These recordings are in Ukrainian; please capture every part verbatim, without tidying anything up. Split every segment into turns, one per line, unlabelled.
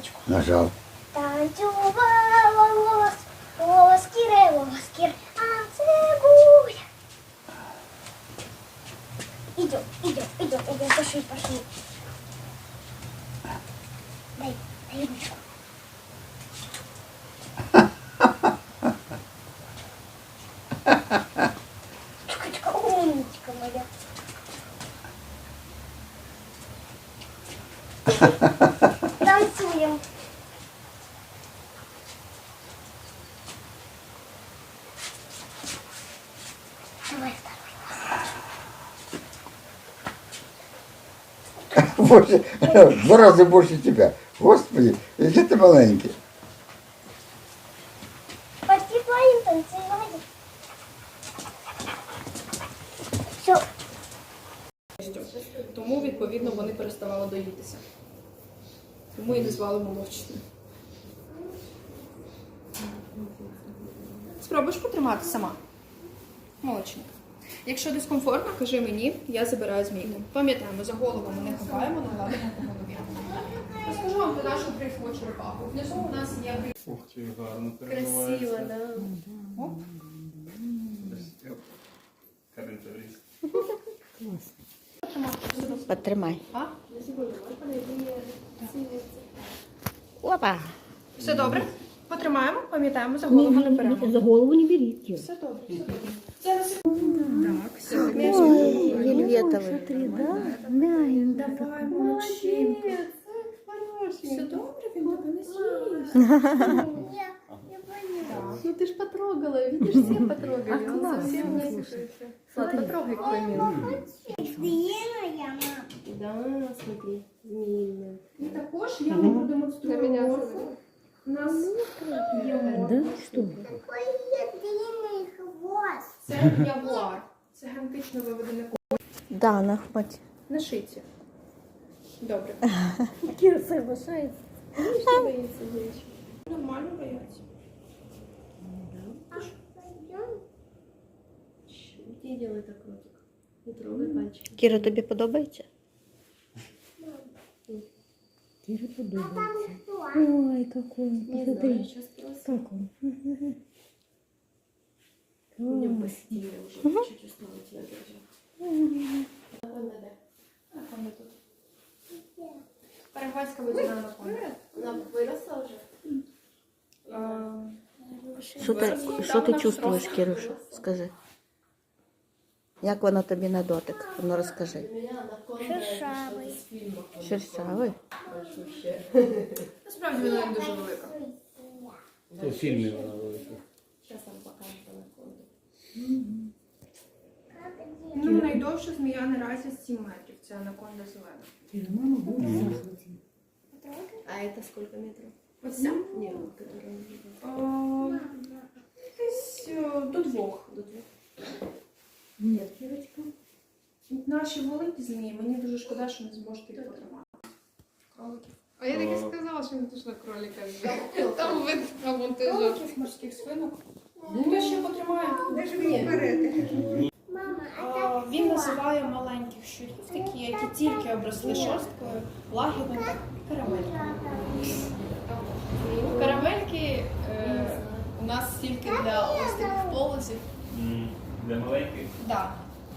кнопочку.
Нажав.
Танцювала волос, волоскіре, волоскір, а цибуля. Идем, идем, идем, идем, пошли, пошли. Дай, дай ручку. Чика-чика, умничка моя. Танцуем. Давай второй.
Больше, в два рази більше тебе. Господи, який ти маленький.
Поспеваем танцевать. Все.
Тому, відповідно, вони переставали доїтися. Тому і назвали молочним. Спробуєш потримати сама? Молочник. Якщо дискомфортно, кажи мені, я забираю змійку. Пам'ятаємо, за голову ми не хапаємо, не гладимо по голові. Розкажу вам про нашу грифову черепаху. Внизу у нас є гриф.
Ух ти, гарно
Красиво, да. Оп.
Каринка вріз.
Потримай.
А?
Опа.
Все добре? Потримаємо, пам'ятаємо, за голову не беремо.
За голову не беріть.
Все добре, все добре. Зараз. Так, все.
Ой, вельветовий.
Давай, молодчинка. Все добре, він тебе не з'їсть.
Я, я поняла.
Ну ты ж потрогала, видишь, все потрогали. Он совсем не слушается. Влад, потрогай какой-нибудь.
Змеиная мама.
Да, смотри, змеиная.
І також я вам продемонструю морфу. У нас є морфа.
Какой длинный хвост.
Це ягуар. Це генетично виведене ко-
Да, на хваті.
на шиці. Добре.
Кира соглашается. Видишь, не боится девочка.
Нормально бояться.
Пойдем.
Не делай так, ротик. Не трогай пальчики.
Кіра, тобі подобається?
А там что?
Ой, какой.
Не знаю, сейчас спросим.
Как он?
Идем посидели уже, чуть устала тебя держать. Анаконда, да.
Анаконда тут. Парагвайська водяна анаконда.
Она выросла уже?
А,
Що ти, що ти чувствуєш, Кіруша? Скажи. Як вона тобі на дотик? Ну розкажи.
Для меня анаконда
Шершавый.
из фильмов.
Шершавий?
Вообще.
Насправді вона не дуже велика.
У фільмі вона велика.
Сейчас вам покажет анаконду.
Ну, найдовша змія наразі сім метрів. Це анаконда зелена.
А это сколько метров?
Ось ця?
Не, вот которая...
А, Десь е, до двох.
До двух.
Ні, Кірочка.
Наші великі змії, мені дуже шкода, що не зможете їх потримати. Кроликів.
А я так і сказала, що не точно кролика взяла. Там вид на монтажу.
Кроликів, морських свинок. Хто ще потримає?
Мама, а
А, Він називає маленьких щурів, такі, які тільки обросли шорсткою, лагідними карамельками. Карамельки е, у нас тільки для ось таких полозів.
Для маленьких?
Так.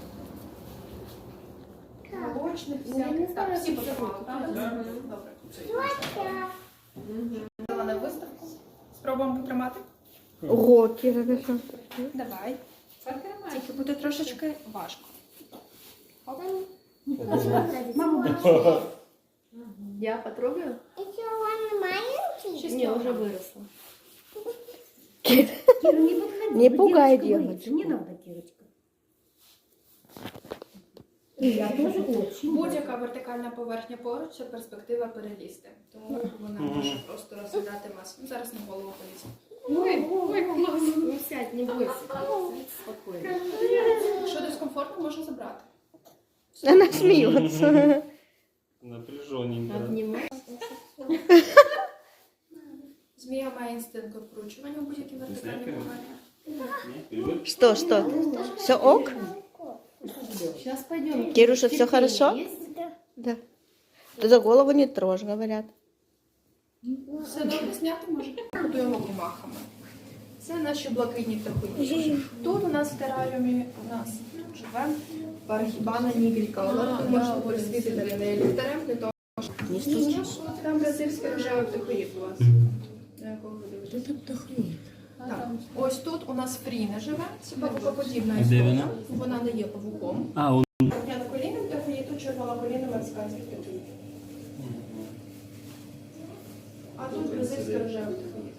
Молочних всяких. Так, всі потримали, правда? Добре. Дала на виставку. Спробуємо потримати?
Ого, Кіра, ви що?
Давай. Тільки буде трошечки важко. Оп.
Я потрогаю?
еще он маленький?
Не, уже выросла.
Кіра, не подходи. Не пугай девочку.
Не надо, Кирочка. Я тоже очень.
Будь-яка вертикальна поверхня поруч – це перспектива перелізти. Тому вона може просто розглядати вас. Ну, зараз на голову полізь.
Ой, ой, клас.
Ну сядь, не бойся. Спокойно.
Якщо дискомфортно, можна забрати.
Вона сміється.
Напряжененько.
Обнимай.
Змія має інстинкт обкручування у будь-якій вертикальній поверхні.
Что, что? Все ок?
Сейчас пойдем.
Кируша, все
Терпение
хорошо?
есть?
Да. Ты за голову не трожь, говорят.
Все добре зняти може? Будуємо комахами. Це наші блакитні птахи. Тут у нас в тераріумі у нас живе парахібана нігріка. Але ви можете присвітити для неї ліхтарем, для того, що там бразильський рожевий птахоїд у вас. На якого ви дивитесь? Так. Ось тут у нас Фріна живе, це павукоподібна
Де
істота.
вона?
Вона не є павуком.
А, он.
П'ятиколінним птахоїд, тут червоноколінним мексиканський птахоїд. А тут бразильський рожевий птахоїд.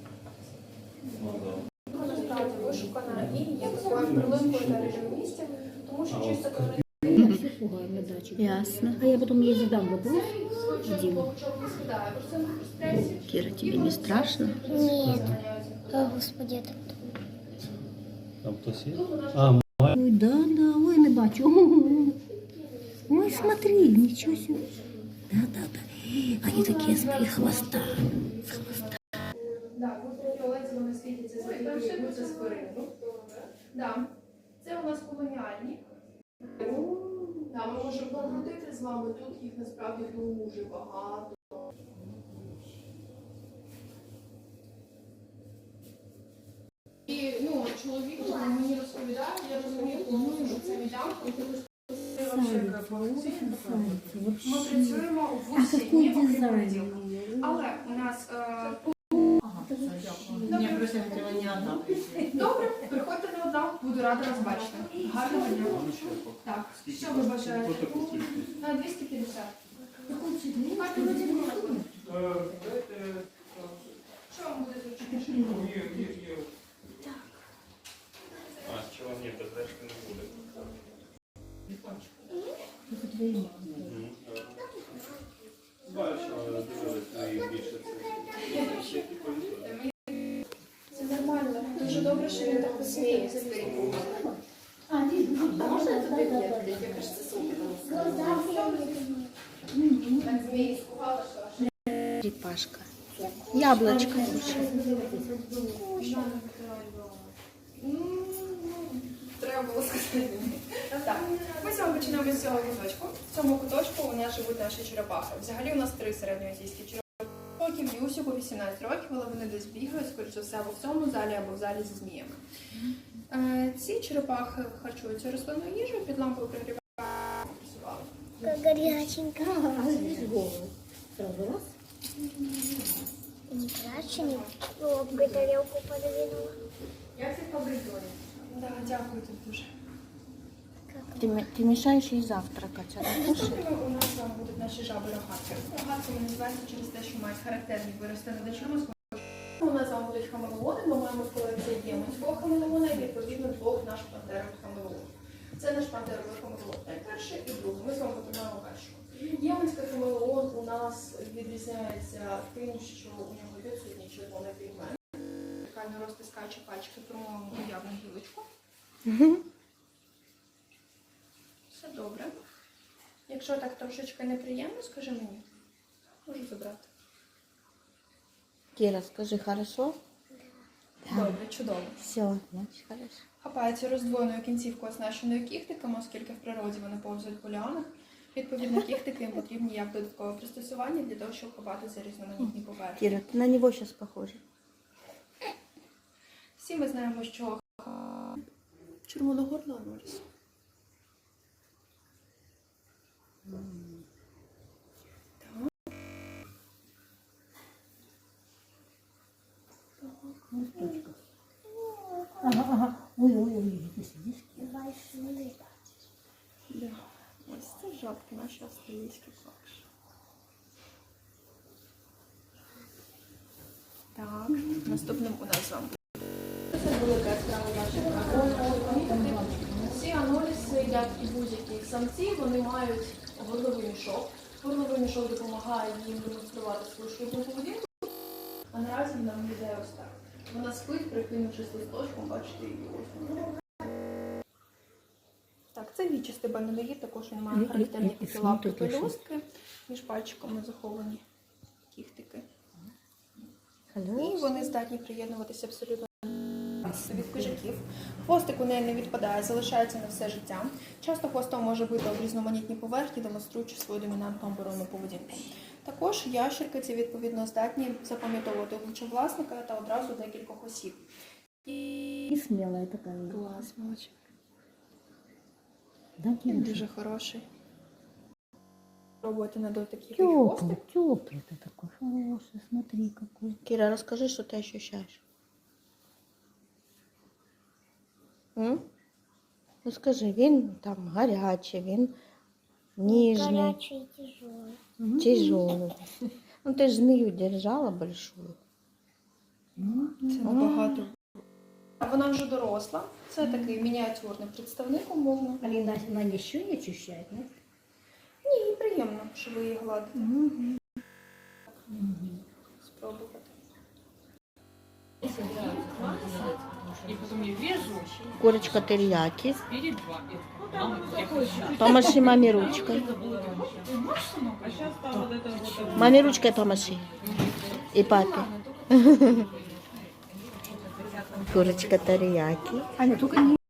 Вона насправді вишукана і є такою прилинкою на режимі місця, тому що чисто кажуть,
Я все пугаю на даче.
Ясно.
А я потом ей задам вопрос.
чого не скидає. Просто в стресі.
Кира, тебе не страшно?
Нет. О, Господи, это кто?
Там хтось є? А,
Ой, да, да, ой, не бачу. Ой, смотри, ничего себе. Да, да, да. Они такие с моих хвоста. С хвоста.
Так, ультрафіолет вони світяться за спирину. Да. Це у нас колоніальні. Да, ми можемо покрутити з вами, тут їх насправді дуже багато. І ну, чоловік мені розповідає, я розумію, повністю, що це віддам, і ти ми працюємо в
А
усі
какой
дні, окрім
дизайн?
понеділка. Але у нас е,
Я просто хотіла не одна.
добре, приходьте не одна, буду рада вас бачити. Гарного дня. Так, що ви бажаєте? На двісті п'ятдесят. Бачите, ви тільки приходите. Що вам буде зручніше?
А, чого ні, без решти не буде. Бачу, але дивились на їх більше це.
Це нормально. Дуже добре, що він так посміється. Можна туди п'яти? Я кажу, це супер. Так змії скувала, що аж.
Черепашка. Яблочко.
Треба було сказати. Так, ми з вами починаємо з цього куточку. В цьому куточку у нас живуть наші черепахи. Взагалі у нас три середньоазійські черепахи. Років Юсіку вісімнадцять років, але вони десь бігають, скоріш за все, або в цьому залі, або в залі зі зміями. Е, Ці черепахи харчуються рослинною їжею, під лампою пригрівають.
Как горяченько.
А здесь голову. Сразу раз.
Не плачь, не лобкой тарелку подвинула.
Як це побризує? Так, дякую тобі дуже.
Ты, м- ты мешаешь ей завтракать. Она кушает.
Наступними у нас з вами будуть наші жаби рогатки. Рогатки вони називаються через те, що мають характерні вирости над очима. У нас з вами будуть хамелеони, ми маємо в колекції єменського хамелеона і відповідно двох наших пантерових хамелеонів. Це наш пантеровий хамелеон перший і другий. Ми з вами потримаємо першого. Єменський хамелеон у нас відрізняється тим, що у нього відсутній червоний пігмент. Вертикально розтискаючи пальчики, промовимо уявну гілочку. Все добре. Якщо так трошечки неприємно, скажи мені. Можу забрати.
Кира, скажи, хорошо?
Добре, чудово.
Все, значит, хорошо.
Хапається роздвоєною кінцівкою, оснащеною кіхтиками, оскільки в природі вони повзають по ліанах. Відповідно, кіхтики їм потрібні як додаткове пристосування для того, щоб хапати за різноманітні поверхні.
Кира, ты на него сейчас похожа.
Всі ми знаємо, що червоногорла Норріс.
Ага, ага. Ой, ой, ой, ты сидишь.
Большие.
Да. Ось це жабки наші австралійські клакші. Так, наступним у нас з вами. Це велика яскрава наша. Ці аноліси, як і будь-які самці, вони мають горловий мішок. Горловий мішок допомагає їм демонструвати свою шлюбну поведінку. А наразі вона виглядає ось так. Вона спить, прикинувшись листочком, бачите її ось. Так, це вічистий бананоїд, також він має характерні такі лапки пелюстки, між пальчиками заховані кіхтики. І вони здатні приєднуватися абсолютно від хижаків. Хвостик у неї не відпадає, залишається на все життя. Часто хвостом може бити об різноманітні поверхні, демонструючи свою домінантну оборонну поведінку. Також ящерки ці відповідно здатні запам'ятовувати обличчя власника та одразу декількох осіб.
И смелая такая.
Клас, молодчик.
Да, Кирюша?
Дуже хороший. Пробуйте на дотик який хвостик.
Теплый, теплый ты такой хороший, смотри какой.
Кіра, розкажи, що ти ощущаєш. М? Ну скажи, він там гарячий, він ніжний,
Горячий и тяжелый.
тяжелый. Ну ти ж змію держала большую.
Це набагато. Вона вже доросла. Це такий мініатюрний представник, умовно.
Алина, она ничего не ощущает, нет?
Ні, їй приємно, що ви її гладите. Спробувати.
И потом я вижу
Курочка терияки.
перед вами. Мама, я хочу.
Помаши мамі ручкою.
А сейчас там вот это вот.
Мамі ручкою помаши. І папі. Курочка терияки.
Аня, только не